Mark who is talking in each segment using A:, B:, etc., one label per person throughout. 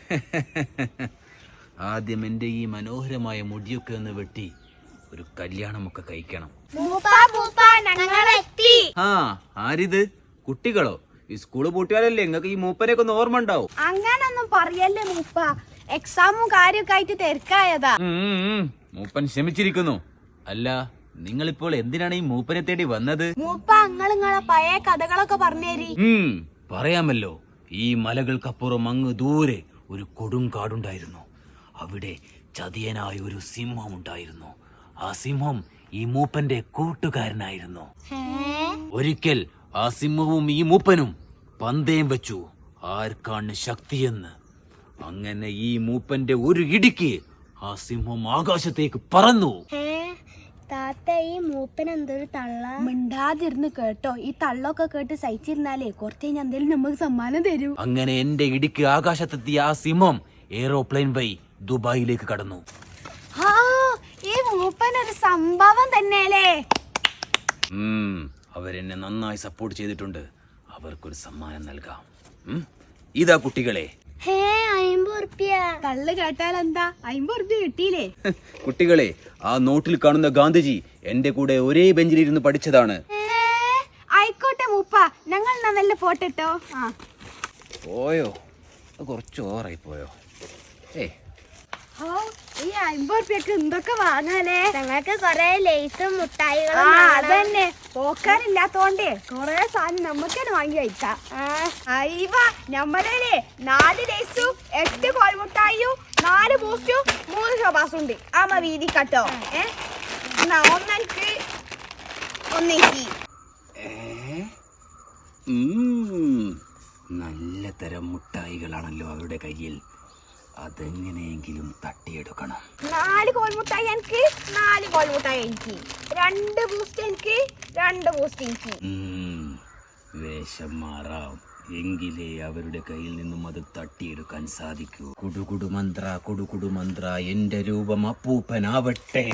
A: ആദ്യം എന്റെ ഈ മനോഹരമായ മുടിയൊക്കെ ഒന്ന് വെട്ടി ഒരു കല്യാണമൊക്കെ കഴിക്കണം. ആ ആരിത്? കുട്ടികളോ? ഈ സ്കൂള് പൂട്ടിയാലല്ലേ നിങ്ങൾക്ക് ഈ മൂപ്പനെയൊക്കെ ഒന്ന് ഓർമ്മ ഉണ്ടാവും.
B: അങ്ങനൊന്നും പറയല്ലേ മൂപ്പ, എക്സാമും കാര്യമൊക്കെ ആയിട്ട് തിരക്കായതാ.
A: മൂപ്പൻ ക്ഷമിച്ചിരിക്കുന്നു. അല്ല, നിങ്ങളിപ്പോൾ എന്തിനാണ് ഈ മൂപ്പനെ തേടി വന്നത്?
B: മൂപ്പ നിങ്ങളെ പഴയ കഥകളൊക്കെ പറഞ്ഞേരി.
A: പറയാമല്ലോ. ഈ മലകൾക്കപ്പുറം അങ്ങ് ദൂരെ ഒരു കൊടുങ്കാടുണ്ടായിരുന്നു. അവിടെ ചതിയനായ ഒരു സിംഹം ഉണ്ടായിരുന്നു. ആ സിംഹം ഈ മൂപ്പന്റെ കൂട്ടുകാരനായിരുന്നു. ഒരിക്കൽ ആ സിംഹവും ഈ മൂപ്പനും പന്തയം വെച്ചു, ആർക്കാണ് ശക്തിയെന്ന്. അങ്ങനെ ഈ മൂപ്പന്റെ ഒരു ഇടിക്ക് ആ സിംഹം ആകാശത്തേക്ക് പറന്നു.
B: താത്ത, ഈ മൂപ്പൻ എന്തൊരു തള്ള. മിണ്ടാതിരുന്ന് കേട്ടോ. ഈ തള്ളൊക്കെ കേട്ട് സഹിച്ചിരുന്നാലേ കുറച്ച് കഴിഞ്ഞാൽ എന്തേലും നമുക്ക് സമ്മാനം തരൂ.
A: അങ്ങനെ എന്റെ ഇടിക്ക് ആകാശത്തെത്തിയ ആ സിംഹം എയ്റോപ്ലെയിൻ വഴി ദുബായിലേക്ക് കടന്നു.
B: ഈ മൂപ്പൻ ഒരു സംഭവം തന്നെയല്ലേ.
A: അവരെന്നെ നന്നായി സപ്പോർട്ട് ചെയ്തിട്ടുണ്ട്. അവർക്കൊരു സമ്മാനം നൽകാം. ഇതാ കുട്ടികളെ.
B: കള്ള് കേട്ടാൽ എന്താ, 50 ഉറുപ്പ്യ കിട്ടിയില്ലേ?
A: കുട്ടികളെ, ആ നോട്ടിൽ കാണുന്ന ഗാന്ധിജി എന്റെ കൂടെ ഒരേ ബെഞ്ചിലിരുന്ന് പഠിച്ചതാണ്.
B: ആയിക്കോട്ടെ മൂപ്പ, ഞങ്ങൾ നല്ല ഫോട്ടോ ഇട്ടോ.
A: പോയോ? കുറച്ച് ഓവറായി പോയോ?
B: ഈ 50 ഉറുപ്പ്യക്ക് എന്തൊക്കെ വാങ്ങാനേ.
C: ഞങ്ങൾക്ക് കൊറേ ലേസും മുട്ടായികളും.
B: അതന്നെ, പോക്കാനില്ലാത്തോണ്ടേ കൊറേ സാധനം നമുക്ക് തന്നെ വാങ്ങി കഴിക്കാം. ഞമ്മളേ 4 ലേസും 8 കോൽമുട്ടായും 4 ബൂസ്റ്റും 3 ഷോബാസും ഉണ്ട്. ആമ വീതി കട്ടോ. ഒന്നെനിക്ക് ഒന്നെനിക്ക്.
A: നല്ല തരം മുട്ടായികളാണല്ലോ അവരുടെ കയ്യിൽ. അതെങ്ങനെയെങ്കിലും തട്ടിയെടുക്കണം.
B: 4 കോൽമുട്ടായി എനിക്ക്, 4 കോൽമുട്ടായി എനിക്ക്, 2 ബൂസ്റ്റ് എനിക്ക്, 2 ബൂസ്റ്റ് എനിക്ക്.
A: വേഷം മാറാം, എങ്കിലേ അവരുടെ കയ്യിൽ നിന്നും അത് തട്ടിയെടുക്കാൻ സാധിക്കൂ. കുടുകുടു മന്ത്ര, കുടുകുടു മന്ത്ര, എന്റെ രൂപം അപ്പൂപ്പനാവട്ടെ.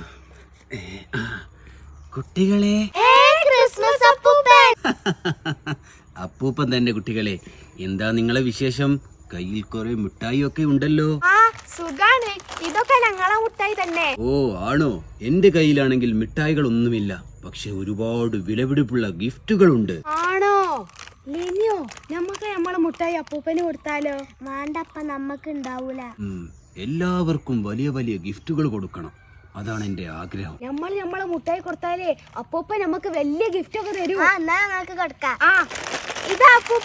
A: കുട്ടികളെ,
C: ക്രിസ്മസ് അപ്പൂപ്പൻ.
A: അപ്പൂപ്പൻ തന്നെ. കുട്ടികളെ, എന്താ നിങ്ങളെ വിശേഷം? കയ്യിൽ കുറെ മിഠായി ഒക്കെ ഉണ്ടല്ലോ.
B: സുഖാണ്, ഇതൊക്കെ ഞങ്ങളെ മുട്ടായി തന്നെ.
A: ഓ ആണോ? എന്റെ കയ്യിലാണെങ്കിൽ മിഠായികൾ ഒന്നുമില്ല, പക്ഷെ ഒരുപാട് വിലപിടിപ്പുള്ള ഗിഫ്റ്റുകൾ ഉണ്ട്.
B: ആണോ ലിനിയോ? നമുക്ക് നമ്മളെ മുട്ടായി അപ്പൂപ്പന് കൊടുത്താലോ?
C: വേണ്ടപ്പ, നമ്മക്ക് ഉണ്ടാവൂല.
A: എല്ലാവർക്കും വലിയ വലിയ ഗിഫ്റ്റുകൾ കൊടുക്കണം, അതാണ് എന്റെ ആഗ്രഹം.
B: നമ്മളെ മുട്ടായി കൊടുത്താലേ അപ്പൂപ്പ നമുക്ക് വലിയ ഗിഫ്റ്റ് ഒക്കെ തരൂ.
C: എന്നാ ഞങ്ങൾക്ക് കൊടുക്കാം.
B: ഇതാ അപ്പൂപ്പ.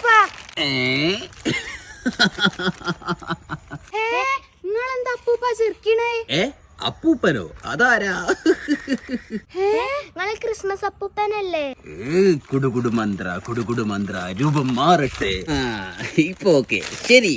B: നിങ്ങളെന്താ അപ്പൂപ്പ ചിരിക്കണേ?
A: അപ്പൂപ്പനോ? അതാരാ?
C: നിങ്ങൾ ക്രിസ്മസ് അപ്പൂപ്പനല്ലേ?
A: കുടുകുടു മന്ത്ര, കുടുകുടു മന്ത്ര, രൂപം മാറട്ടെ. ഇപ്പൊ ഓക്കെ, ശരി.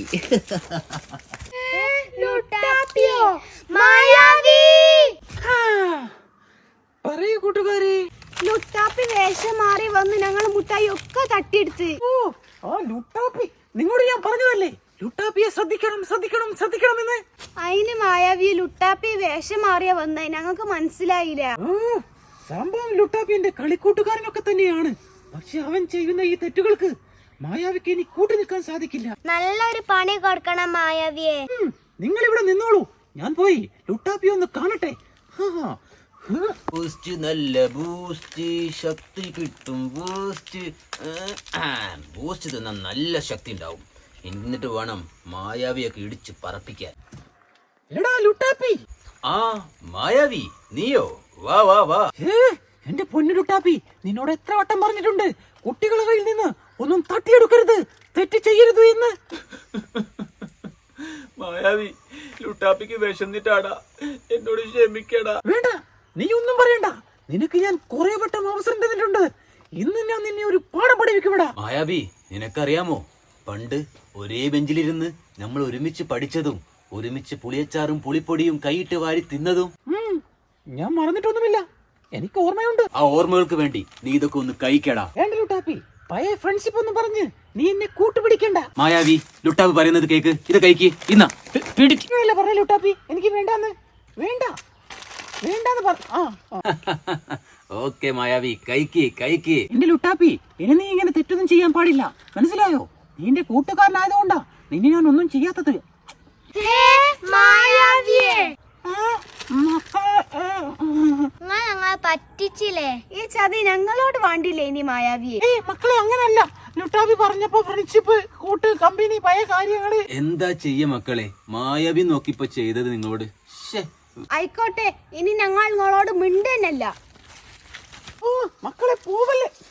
A: പറയൂ കൂട്ടുകാരെ.
B: ലുട്ടാപ്പി വേഷം മാറി വന്ന് ഞങ്ങൾ മുട്ടായി ഒക്കെ തട്ടിയെടുത്ത്.
A: ലുട്ടാപ്പി, നിങ്ങളോട് ഞാൻ പറഞ്ഞതല്ലേ ലുട്ടാപ്പിയെ ശ്രദ്ധിക്കണം ശ്രദ്ധിക്കണം ശ്രദ്ധിക്കണം എന്ന്.
B: അതിന് മായാവി ലുട്ടാപ്പി വേഷം മാറിയ വന്നേ, ഞങ്ങൾക്ക് മനസ്സിലായില്ല.
A: സംഭവം ലുട്ടാപ്പി എന്റെ കളിക്കൂട്ടുകാരനൊക്കെ തന്നെയാണ്. പക്ഷെ അവൻ ചെയ്യുന്ന ഈ തെറ്റുകൾക്ക് മായാവിക്ക് ഇനി കൂട്ടു നിൽക്കാൻ സാധിക്കില്ല.
C: നല്ലൊരു പണി കൊടുക്കണം മായാവിയെ.
A: നിങ്ങൾ ഇവിടെ നിന്നോളൂ, ഞാൻ പോയി ലുട്ടാപ്പി ഒന്ന് കാണട്ടെ. ബൂസ്റ്റ്, നല്ല ബൂസ്റ്റ്, ശക്തി കിട്ടും ബൂസ്റ്റ്. ബൂസ്റ്റ് തിന്നാൻ നല്ല ശക്തി ഉണ്ടാവും. എന്നിട്ട് വേണം മായാവിയൊക്കെ ഇടിച്ച് പറപ്പിക്കാൻ. എടാ ലുട്ടാപ്പി. മായാവി, നീയോ? വാ വാ വാ. എന്റെ പൊന്നു ലുട്ടാപ്പി, നിന്നോട് എത്ര വട്ടം പറഞ്ഞിട്ടുണ്ട് കുട്ടികളുടെ കയ്യിൽ നിന്ന് ഒന്നും തട്ടിയെടുക്കരുത്, തെറ്റ് ചെയ്യരുത് എന്ന്. മായാവി, ലുട്ടാപ്പിക്ക് വിശന്നിട്ടാടാ, എന്നോട് ക്ഷമിക്കടാ. വേണ്ട, നീ ഒന്നും പറയണ്ട. നിനക്ക് ഞാൻ കുറെ വട്ടം അവസരം തന്നിട്ടുണ്ട്. ഇന്ന് ഞാൻ നിന്നെ ഒരു പാഠം പഠിപ്പിക്കുമെടാ. മായാവി, നിനക്കറിയാമോ, പണ്ട് ഒരേ ബെഞ്ചിലിരുന്ന് നമ്മൾ ഒരുമിച്ച് പഠിച്ചതും ഒരുമിച്ച് പുളിയച്ചാറും പുളിപ്പൊടിയും കൈയിട്ട് വാരി തിന്നതും? ഞാൻ മറന്നിട്ടൊന്നുമില്ല, എനിക്ക് ഓർമ്മയുണ്ട്. ആ ഓർമ്മകൾക്ക് വേണ്ടി നീ ഇതൊക്കെ ഒന്ന് കഴിക്കടാ. വേണ്ട ലുട്ടാപ്പി, പഴയ ഫ്രണ്ട്ഷിപ്പ് ഒന്നും പറഞ്ഞ് നീ എന്നെ കൂട്ടുപിടിക്കണ്ട. മായാവി, ലുട്ടാപ്പി പറയുന്നത് കേക്ക്, ഇത് കഴിക്ക്. ഇന്നാ പിടിക്കില്ല പറഞ്ഞ ലുട്ടാപ്പി, എനിക്ക് വേണ്ടാന്ന്. വേണ്ട വേണ്ടാന്ന് പറ. ഓക്കെ മായാവി, കഴിക്ക് കഴിക്ക്. എന്റെ ലുട്ടാപ്പി, ഇനി നീ ഇങ്ങനെ തെറ്റൊന്നും ചെയ്യാൻ പാടില്ല, മനസ്സിലായോ? നീ എന്റെ കൂട്ടുകാരനായതുകൊണ്ടാ നിന്നെ ഞാൻ ഒന്നും ചെയ്യാത്തത്.
C: ഞങ്ങളെ പറ്റിച്ചില്ലേ?
B: ഈ ചതി ഞങ്ങളോട് വേണ്ടില്ലേ ഇനി മായാവിയെ?
A: മക്കളെ അങ്ങനല്ല, ലുട്ടാപ്പി പറഞ്ഞപ്പോ ഫ്രണ്ട്ഷിപ്പ്, കൂട്ട്, കമ്പനി, പഴയ കാര്യങ്ങള്.
D: എന്താ ചെയ്യ മക്കളെ, മായാവി നോക്കിപ്പോ ചെയ്തത് നിങ്ങളോട്.
B: ആയിക്കോട്ടെ, ഇനി ഞങ്ങൾ നിങ്ങളോട് മിണ്ടന്നല്ല.
A: മക്കളെ പോവല്ലേ.